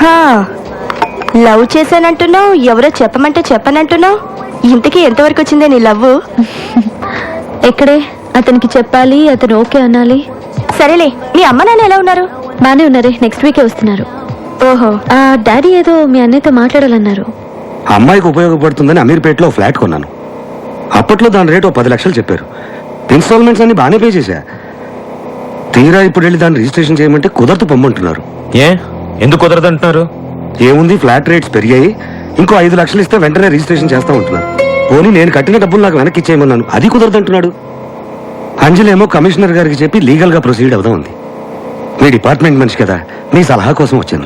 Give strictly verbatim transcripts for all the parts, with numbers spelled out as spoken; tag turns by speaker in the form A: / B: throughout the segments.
A: Love చేశానంటున్నావు, ఎవరో చెప్పమంటే చెప్పనంటున్నావు. ఇంతకీ ఎంతవరకు వచ్చిందే నీ లవ్?
B: ఎక్కడే అతనికి చెప్పాలి, అతను ఓకే అనాలి.
A: సరేలే, మీ అమ్మ నాన్న ఎలా ఉన్నారు?
B: బానే ఉన్నారే, నెక్స్ట్ వీకే వస్తున్నారు.
A: ఓహో,
B: ఆ డాడీ ఏదో మీ అన్నయ్యతో మాట్లాడాలన్నారు.
C: అమ్మాయికి ఉపయోగపడుతుందని అమీర్పేటలో ఫ్లాట్ కొన్నాను. అప్పట్లో దాని రేటు పది లక్షలు చెప్పారు. ఇన్స్టాల్మెంట్స్ అన్ని బాగానే పే చేశా. తీరా ఇప్పుడు వెళ్ళి దాన్ని రిజిస్ట్రేషన్ చేయమంటే కుదరదు పొమ్మంటున్నారు.
D: ఏ ఎందుకు కుదరదు అంటున్నారు?
C: ఏముంది, ఫ్లాట్ రేట్స్ పెరిగాయి, ఇంకో ఐదు లక్షలు ఇస్తే వెంటనే రిజిస్ట్రేషన్ చేస్తా ఉంటున్నారు. పోనీ నేను కట్టిన డబ్బులు నాకు వెనక్కి ఇచ్చేయమన్నాను, అది కుదరదు అంటున్నాడు. అంజలేమో కమిషనర్ గారికి చెప్పి లీగల్ గా ప్రొసీడ్ అవుదాం ఉంది. మీ డిపార్ట్మెంట్ మనిషి కదా, మీ సలహా కోసం వచ్చాను.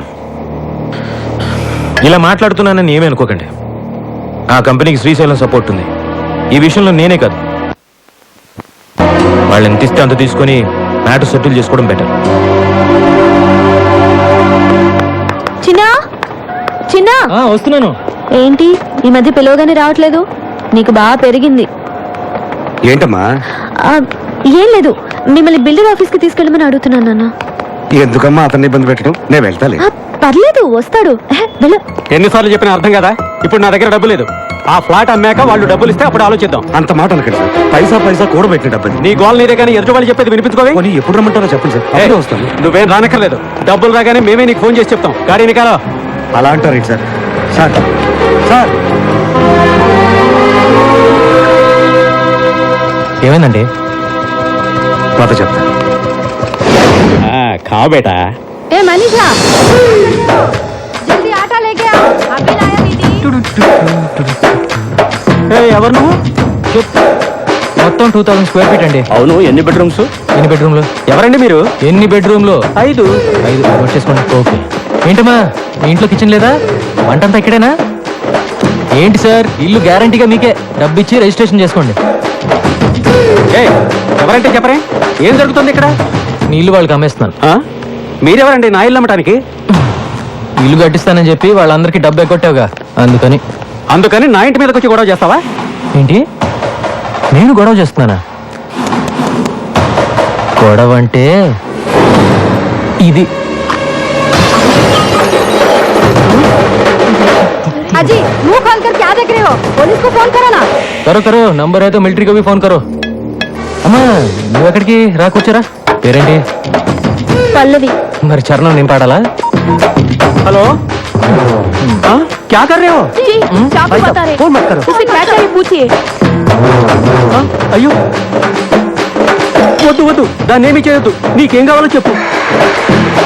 D: ఇలా మాట్లాడుతున్నానని ఏమీ అనుకోకండి. ఆ కంపెనీకి శ్రీశైలం సపోర్ట్ ఉంది. ఈ విషయంలో నేనే కాదు, వాళ్ళు ఎంత ఇస్తే అంత తీసుకొని మ్యాటర్ సెటిల్ చేసుకోవడం బెటర్.
B: చిన్నా చిన్నా
D: వస్తున్నాను.
B: ఏంటి ఈ మధ్య పిలవగానే రావట్లేదు? నీకు బాగా పెరిగింది.
C: ఏంటమ్మా?
B: ఆ, ఏం లేదు, మిమ్మల్ని బిల్డర్ ఆఫీస్ కి తీసుకెళ్ళమని అడుగుతున్నాను నాన్న.
C: ఎందుకమ్మా అతన్ని ఇబ్బంది పెట్టడం? నేను వెళ్తాలే.
B: ఆ, పర్లేదు, వస్తాడు. ఎహె, వెళ్ళు.
E: ఎన్నిసార్లు చెప్పినా అర్థం కదా. ఇప్పుడు నా దగ్గర డబ్బు లేదు. ఆ ఫ్లాట్ అమ్మాక వాళ్ళు డబ్బులు ఇస్తే అప్పుడు ఆలోచిద్దాం.
C: అంత మాట అనకండి సార్, పైసా పైసా కూడబెట్టిన డబ్బని.
E: నీ గోల్ నీదే కానీ ఎదుటి వాళ్ళు చెప్పేది వినిపించుకోవే.
C: పోనీ ఎప్పుడు రమ్మంటారో చెప్పండి సార్, అప్పుడే వస్తాను.
E: నువ్వేం రానక్కర్లేదు, డబ్బులు రాగానే మేమే నీకు ఫోన్ చేసి చెప్తాం. గాడీని కాలో
C: అలా అంటారు సార్. సార్ సార్
D: ఏమైందండి?
C: మాట చెప్తా.
E: ఖా బేటా.
B: ఏ మనీషా, జల్దీ ఆటా లేకే ఆ, అభి లాయా దీది.
E: ఎవరు నువ్వు?
D: మొత్తం టూ థౌసండ్ స్క్వేర్ ఫీట్ అండి.
E: అవును, ఎన్ని బెడ్రూమ్స్?
D: ఎన్ని బెడ్రూమ్లు?
E: ఎవరండి మీరు?
D: ఎన్ని బెడ్రూమ్లు?
E: ఐదు.
D: ఐదు నోట్ చేసుకోండి. ఓకే. ఏంటమ్మా, మీ ఇంట్లో కిచెన్ లేదా? వంటంతా ఇక్కడేనా? ఏంటి సార్, ఇల్లు గ్యారంటీగా మీకే. డబ్బు ఇచ్చి రిజిస్ట్రేషన్ చేసుకోండి.
E: ఏయ్, ఎవరంటే చెప్పరే. ఏం జరుగుతుంది ఇక్కడ?
D: మీ ఇల్లు వాళ్ళకి అమ్మేస్తున్నాను.
E: ఆ? మీరెవరండి నా ఇల్లు అమ్మటానికి?
D: ఇల్లు కట్టిస్తానని చెప్పి వాళ్ళందరికీ డబ్బు ఎక్కొట్టావుగా, అందుకని.
E: అందుకని నా ఇంటి మీదకి వచ్చి గొడవ చేస్తావా?
D: ఏంటి, నేను గొడవ చేస్తున్నానా? గొడవ అంటే ఇది.
B: अजी मुंह खोल कर क्या देख रहे हो? पुलिस को फोन करो ना.
D: करो करो, నంబర్ అయితే మిలిటరీ को भी फोन करो. అమ్మా, నువ్వు ఎక్కడికి రా, కూర్చోరా. పేరేంటి?
B: పల్లవి.
D: మరి చరణం నేను పాడాలా?
E: हेलो, आ? क्या कर रहे हो?
B: जी, चाकू बता रहे.
E: फोन मत करो.
B: उसे क्या चाहिए पूछिए.
E: ఆ? అయ్యో, వద్దు వద్దు, దాన్ని ఏమీ చేయొద్దు. నీకేం కావాలో చెప్పు.